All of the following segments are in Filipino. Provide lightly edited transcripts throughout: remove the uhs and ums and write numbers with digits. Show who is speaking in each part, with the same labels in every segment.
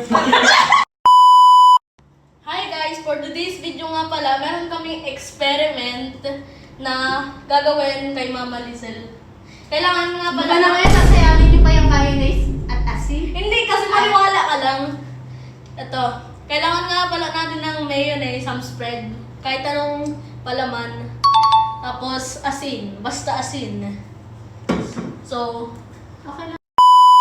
Speaker 1: Hi guys! For today's video nga pala, meron kaming experiment na gagawin kay Mama Lizelle. Kailangan nga pala...
Speaker 2: Baka na kaya sasayamin niyo pa yung mayonnaise at asin?
Speaker 1: Hindi, kasi maniwala ka lang. Ito, kailangan nga pala natin ng mayonnaise, some spread, kahit anong palaman. Tapos asin, basta asin. So,
Speaker 2: Okay lang.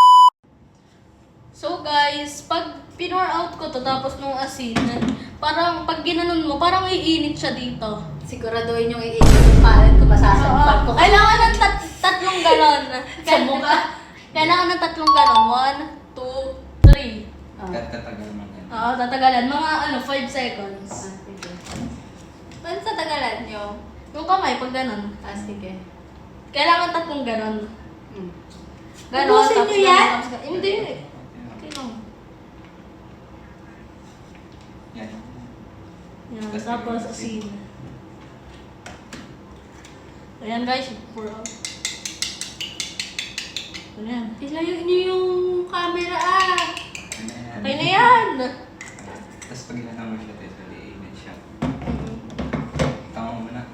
Speaker 1: So guys, pag pinor out ko to tapos nung asin, parang pag ginanon mo, parang iinit siya dito.
Speaker 2: Siguraduhin yung iinit yung palad ko, masasampal ko.
Speaker 1: Kailangan ng tatlong ganon.
Speaker 2: Sa mukha.
Speaker 1: Kailangan ng tatlong ganon. 1, 2, 3.
Speaker 3: Tatagal man yan.
Speaker 1: Oo, tatagalan. Mga 5 seconds.
Speaker 2: Sige.
Speaker 1: Paano tatagalan nyo? Yung kamay, pag ganon.
Speaker 2: Sige.
Speaker 1: Kailangan tatlong ganon. Ganon,
Speaker 2: Ubusin nyo yan?
Speaker 1: ganon. Hindi. Okay lang.
Speaker 3: Yan.
Speaker 1: Yan, tapos asin. Ayan guys, pour out. Ayan.
Speaker 2: Ilayo niyo yung camera
Speaker 1: Okay na yan!
Speaker 3: Tapos pag inanong mo siya, tayo liinit siya. Tama mo na.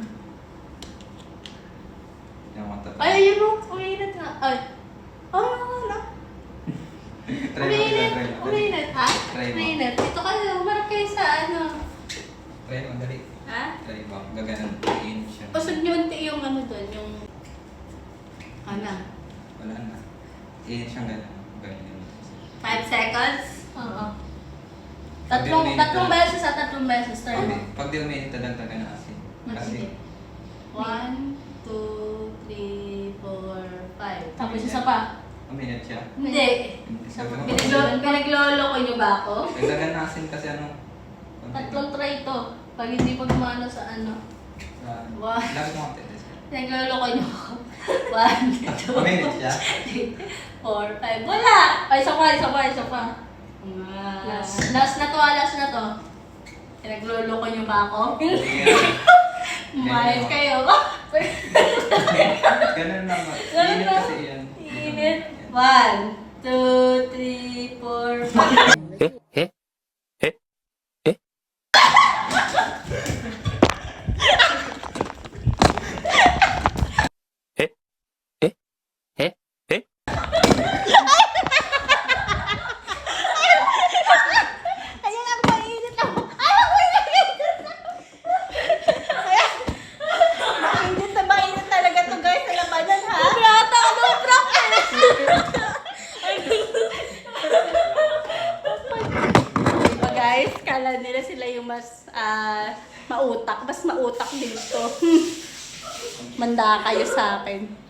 Speaker 3: Yung mata.
Speaker 1: Ay, ayun o! Uminit nga. Ay. Wala.
Speaker 3: Try mo,
Speaker 1: Uminit.
Speaker 3: try mo.
Speaker 1: Uminit, ha?
Speaker 3: Try mo.
Speaker 1: Uminit. Dito kayo, umarap kayo sa ano.
Speaker 3: Try mo, dali.
Speaker 1: Ha?
Speaker 3: Try mo. Gaganan. Liinit siya.
Speaker 1: Usog nyo unti yung ano doon, yung...
Speaker 2: Ano?
Speaker 3: Wala na. Liinit siyang ganun. Ganyan.
Speaker 2: 5 seconds?
Speaker 1: Oo. Tatlong beses sa tatlong beses. Try mo.
Speaker 3: Pag di uminit, tadagdagan na asin.
Speaker 2: Sige. 1, 2, 3, 4, 5.
Speaker 1: Tapos isa pa.
Speaker 3: Uminit siya.
Speaker 2: Hindi.
Speaker 1: Isa pa.
Speaker 2: Pinaglolo ko niyo ba ako?
Speaker 3: Dagdagan na asin kasi ano.
Speaker 1: Tatlong try to. Pag hindi pa gumano sa ano.
Speaker 2: Wow.
Speaker 3: Lagi mo konti.
Speaker 1: Pinagloloko nyo ako.
Speaker 2: 1, 2,
Speaker 3: Uminit siya.
Speaker 2: 3, 4, 5. Wala!
Speaker 1: Ay, isa pa. Last na to.
Speaker 2: Pinaglolo ko niyo ba ako?
Speaker 1: Umayos kayo.
Speaker 3: Ganun lang.
Speaker 1: Ganun
Speaker 3: Init
Speaker 1: lang.
Speaker 3: kasi yan.
Speaker 1: Init.
Speaker 2: 1, 2, 3, 4, 5.
Speaker 1: Ayan ang mainit ako.
Speaker 2: Mainit talaga to guys sa labanan ha?
Speaker 1: Brata ako ng practice.
Speaker 2: Diba guys, kala nila sila yung mas mautak. Mas mautak dito. Manda kayo sa akin.